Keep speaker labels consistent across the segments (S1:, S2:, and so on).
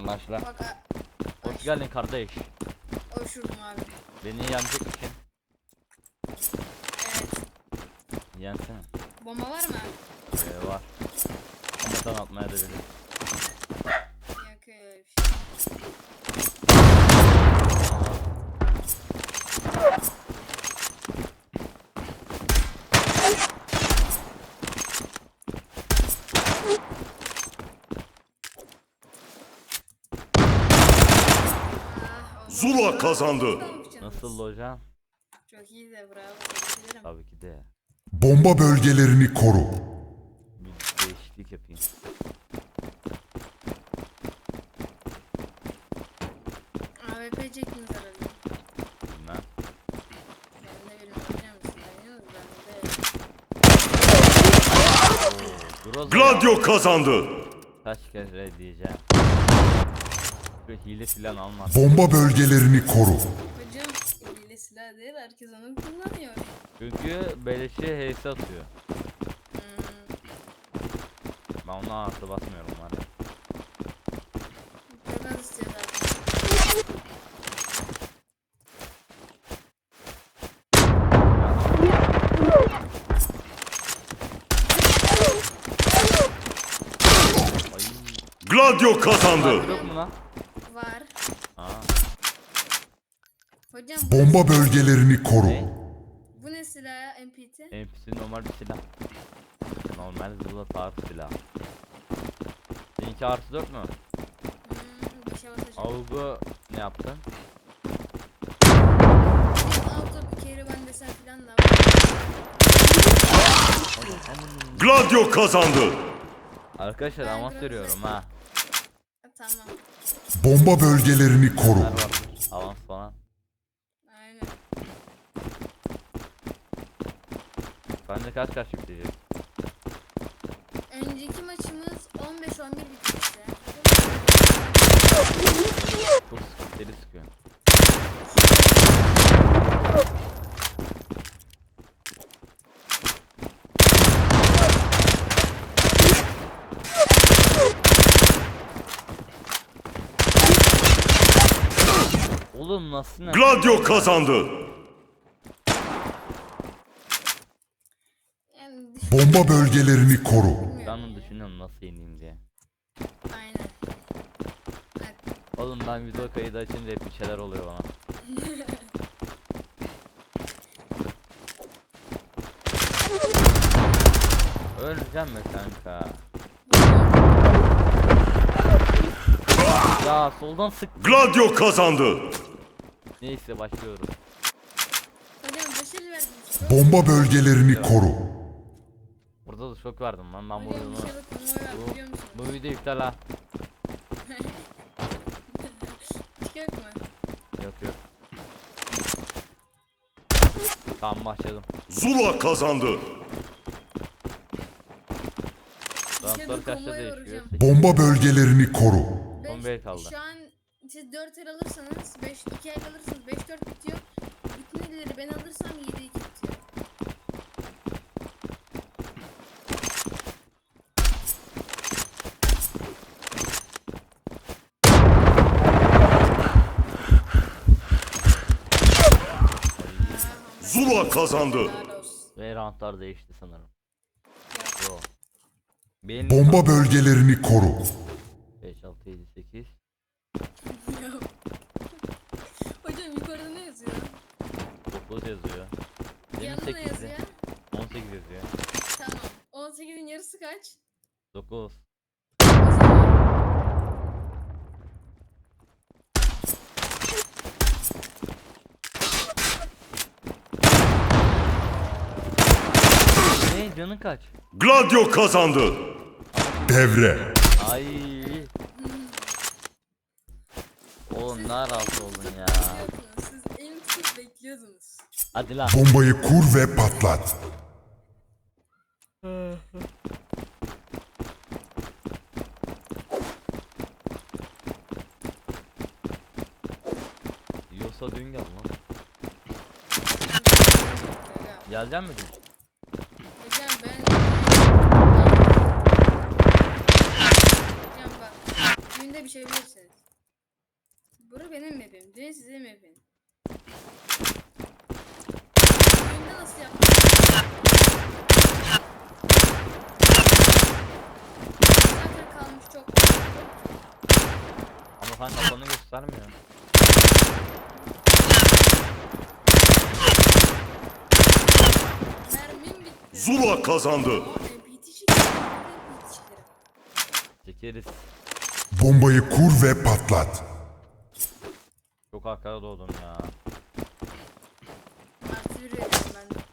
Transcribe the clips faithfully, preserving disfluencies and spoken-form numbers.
S1: Başla.
S2: Bak a-
S1: Hoş
S2: aç.
S1: geldin kardeş.
S2: Hoşurdum abi.
S1: Beni yenecek misin?
S2: Evet.
S1: Yensene.
S2: Bomba var mı?
S1: Ee, var. Ama sen atmaya da bilir.
S2: Yok öyle bir şey. Ah, oldu.
S3: Zula kazandı.
S2: Ne yapacaksınız?
S1: Nasıl hocam?
S2: Çok iyi de bravo. Tebrik ederim.
S1: Tabii ki de.
S4: Bomba bölgelerini koru.
S1: Bir değişiklik yapayım.
S2: A W P çektiniz herhalde.
S1: Bilmem.
S2: Ben de bilmiyorum biliyor musun? Deniyoruz ben de.
S1: Groza
S3: Gladio kazandı.
S1: kaç kere diyeceğim. Böyle hile filan alma.
S4: Bomba bölgelerini koru.
S2: Hocam eliyle silah değil herkes onu kullanıyor.
S1: Çünkü beleşe H S atıyor.
S2: Hmm.
S1: Ben ona artı basmıyorum var ya.
S2: Çok az istiyor zaten.
S1: Ay.
S3: Gladio kazandı.
S1: Yok mu lan?
S2: Var.
S1: Aa.
S2: Hocam bu,
S4: Bomba bölgelerini koru.
S1: Ne?
S2: bu ne silah ya? M P T?
S1: N P C normal bir silah. Normal zula tarz silah. Seninki artı dört mü?
S2: Hmm, bir şey basacağım.
S1: Avgu ne yaptın?
S2: Auto bir kere ben desen filan da var.
S3: Gladio kazandı.
S1: Arkadaşlar
S2: Ben
S1: avans
S2: biraz
S1: veriyorum
S2: da-
S1: ha.
S2: Tamam.
S4: Bomba bölgelerini koru.
S1: Neler var? Avans falan.
S2: Aynen.
S1: Bence kaç kaç yükleyeceğiz?
S2: Önceki maçımız on beş on bir bitmişti.
S1: Çok sıkı, deli sıkıyor. Oğlum nasıl ne?
S3: Gladio kazandı.
S2: Yani
S4: Bomba bölgelerini koru.
S2: düşünmüyorum
S1: Ben onu
S2: ya.
S1: düşünüyorum nasıl yeneyim diye.
S2: Aynen. Evet.
S1: Oğlum ben video kaydı açınca hep bir şeyler oluyor bana. Öleceğim mi kanka? Ya soldan sık.
S3: Gladio kazandı.
S1: Neyse başlıyoruz.
S2: Hocam başarı verdiniz.
S4: Bomba bölgelerini koru.
S1: Burada da şok verdim lan ben bu
S2: Hocam
S1: videomu.
S2: bir şey bakın ne var biliyor musunuz?
S1: Bu, bu video iptal ha.
S2: Çıkıyor mu?
S1: Yok yok. Tamam başladım.
S3: Zula kazandı.
S1: Ramplar
S2: bir
S1: kaçta
S2: konvoy var
S1: değişiyor?
S2: hocam.
S4: Bomba bölgelerini koru.
S1: Son bir el kaldı.
S2: Şu an siz dört el alırsanız beş iki el alırsanız beş dört bitiyor. Bütün elleri ben alırsam yedi iki bitiyor.
S3: Zula kazandı.
S2: Helal olsun.
S1: Ve roundlar değişti sanırım.
S2: Ya,
S1: Yo. Benim
S4: Bomba bölgelerini koru.
S1: beş, altı, yedi, sekiz.
S2: ya. Hocam yukarıda ne yazıyor?
S1: dokuz yazıyor. Benim
S2: Yanında ne
S1: sekizdi.
S2: yazıyor?
S1: on sekiz yazıyor.
S2: Tamam. on sekizin yarısı kaç?
S1: dokuz.
S2: O zaman
S1: Ne canın kaç?
S3: Gladio kazandı.
S4: Devre.
S1: Ay. Oğlum ne rahatsız oldun ya.
S2: bekliyordunuz. Siz elini tutup bekliyordunuz.
S1: Hadi lan.
S4: Bombayı kur ve patlat.
S1: Yiyorsa dün gel lan.
S2: Hocam
S1: Gelecek mi dün?
S2: ben... Hocam bak. Günde bir şey bilirsiniz. Bura benim map'im. Dün sizin map'im. Oyunda nasıl yaptın? Zaten kalmış çok.
S1: Ama sen kafanı göstermiyor.
S2: Mermim bitti.
S3: Zula kazandı.
S2: Aa, M P T çekerim. M P T çekerim.
S1: Çekeriz.
S4: Bombayı kur ve patlat.
S1: Çok arkada doğdum ya.
S2: Artı bir veriyorum ben de.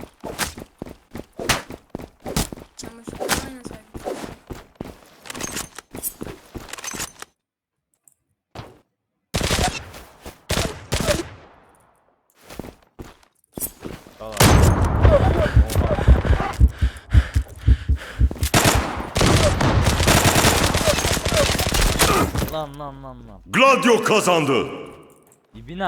S2: Ama şu an aynı sayfa.
S1: Valla. Oha. Lan lan lan lan.
S3: Gladio kazandı.
S1: İbina.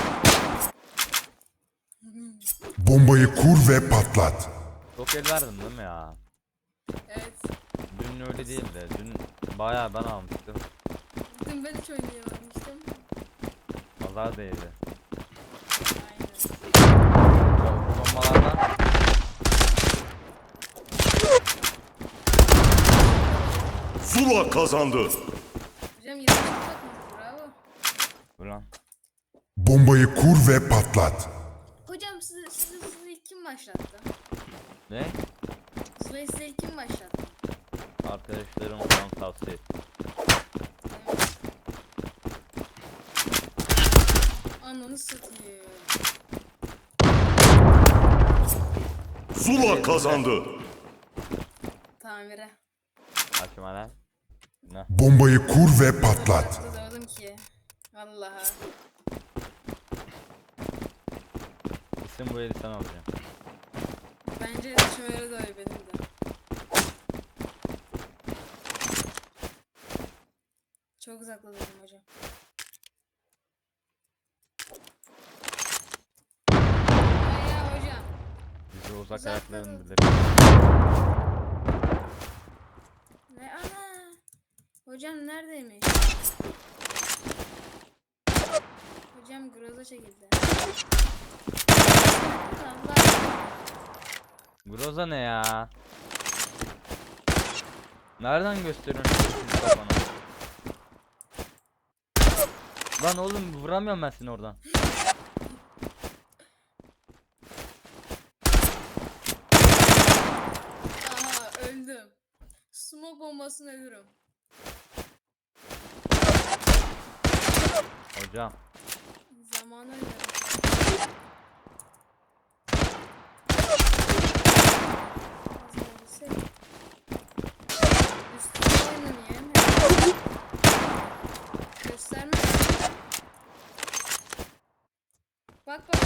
S4: Bombayı kur ve patlat.
S1: Çok el verdin değil mi ya?
S2: Evet.
S1: Dün öyle değildi. Dün bayağı ben almıştım.
S2: Dün ben hiç oynayamamıştım.
S1: Pazar değildi.
S2: Aynen.
S1: O bombalardan
S3: Zula kazandı.
S2: Hocam yirmi bakmış. Bravo.
S1: ulan.
S4: Bombayı kur ve patlat.
S2: Hocam sizi, sizi, sizi ilk kim başlattı?
S1: Ne?
S2: Zula'yı size ilk kim başlattı?
S1: Arkadaşlarım falan tavsiye etti.
S2: Ananı satayım.
S3: Zula kazandı.
S2: Tamire.
S1: Açma lan. Ne?
S4: Bombayı kur ve patlat.
S2: Doğdum ki. Vallahi.
S1: İsim bu eli sen alacaksın.
S2: Bence şöyle de öyle benim de. Çok uzakladım hocam. Bayağı hocam.
S1: Bizi uzak
S2: Uzak
S1: ayaklarını
S2: kalın.
S1: biliriz.
S2: Ne ana? Hocam neredeymiş? Hocam groza çekildi. Allah.
S1: Groza ne ya? Nereden gösteriyorsun şu kafana? Lan oğlum vuramıyorum ben seni oradan.
S2: Aha öldüm. Smoke bombasını ölürüm.
S1: Hocam.
S2: Zamanı ölürüm. Üstüne oynayayım. Gösterme. Bak bak.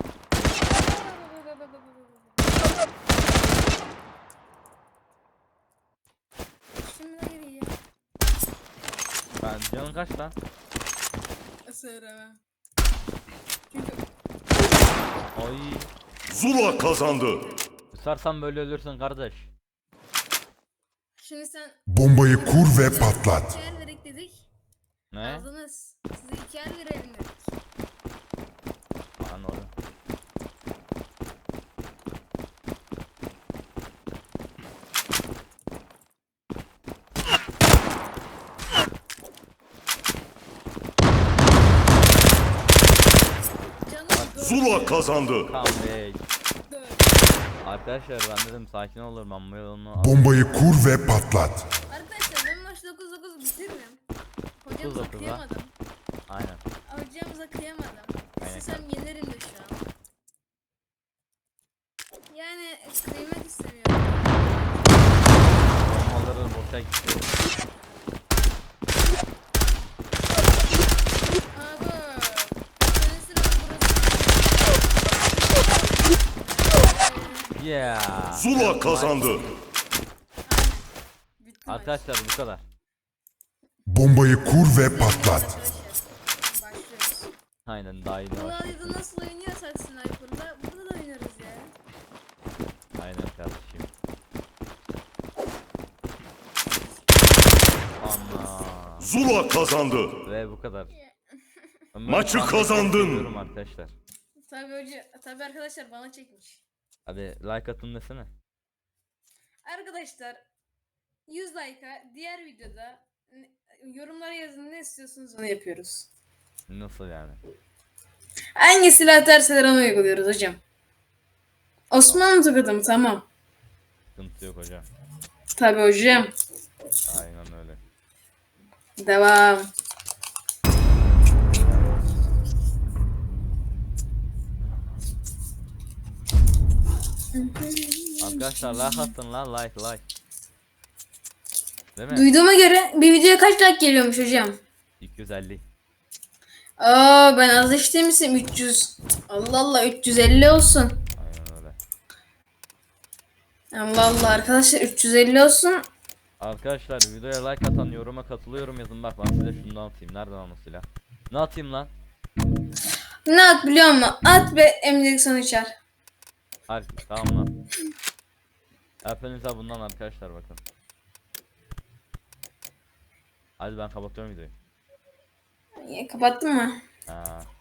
S2: Şimdi ne geriye?
S1: Ben canın kaç lan?
S2: Söylemem. Çünkü
S1: Ay.
S3: Zula kazandı.
S1: Kusarsan böyle ölürsün kardeş.
S2: şimdi sen
S4: Bombayı kur ve patlat.
S2: iki el verek dedik.
S1: Ne?
S2: Aldınız. Size iki el verelim dedik.
S1: Lan oğlum.
S2: Canım
S3: Zula kazandı.
S1: Comeback.
S2: dört.
S1: Arkadaşlar ben dedim sakin olur ben bu yolunu al.
S4: Bombayı kur ve patlat.
S2: Arkadaşlar ben maç dokuz dokuz bitiririm. Hocamıza
S1: dokuz dokuz ha?
S2: kıyamadım.
S1: Aynen.
S2: Hocamıza kıyamadım.
S1: Aynen
S2: İstesem yenerim de şu an. Yani kıymak istemiyorum.
S1: Bombaları boşa gitti.
S2: Abi. Senin sıran burası.
S1: Yeah.
S3: Zula kazandı.
S2: Bitti maç.
S1: Arkadaşlar bu kadar.
S4: Bombayı kur ve patlat.
S2: Arkadaşlar, başlıyoruz.
S1: Aynen daha iyi
S2: Bu
S1: var.
S2: alayda nasıl oynuyorsak Sniper'da burada da oynarız ya.
S1: Aynen kardeşim. Ana.
S3: Zula kazandı.
S1: Ve bu kadar. Ben böyle
S3: Maçı
S1: tahmin
S3: kazandın.
S1: ediyorum arkadaşlar.
S2: Tabii hoca, tabii arkadaşlar bana çekmiş.
S1: Hadi like atın desene.
S2: Arkadaşlar yüz like'a diğer videoda ne- yorumlara yazın, ne istiyorsunuz onu yapıyoruz.
S1: Nasıl yani?
S2: Hangi silah derseler onu uyguluyoruz hocam. Osmanlı tokadı mı? Tamam.
S1: Sıkıntı yok hocam.
S2: Tabii hocam.
S1: Aynen öyle.
S2: Devam.
S1: Arkadaşlar like atın lan, like like. Değil mi?
S2: Duyduğuma göre bir videoya kaç like geliyormuş hocam?
S1: iki yüz elli.
S2: Aa, ben az işlemişim üç yüz. Allah Allah, üç yüz elli olsun.
S1: Aynen öyle.
S2: Allah Allah arkadaşlar, üç yüz elli olsun.
S1: Arkadaşlar videoya like atan, yoruma katılıyorum yazın, bak ben size şunu atayım. Nereden ama silah? Ne atayım lan?
S2: Ne at biliyor musun? At ve emnilik sonu içer.
S1: Hadi tamam lan. Hepinize bundan arkadaşlar, bakın. Hadi ben kapatıyorum videoyu.
S2: Ya, kapattın mı?
S1: Ha.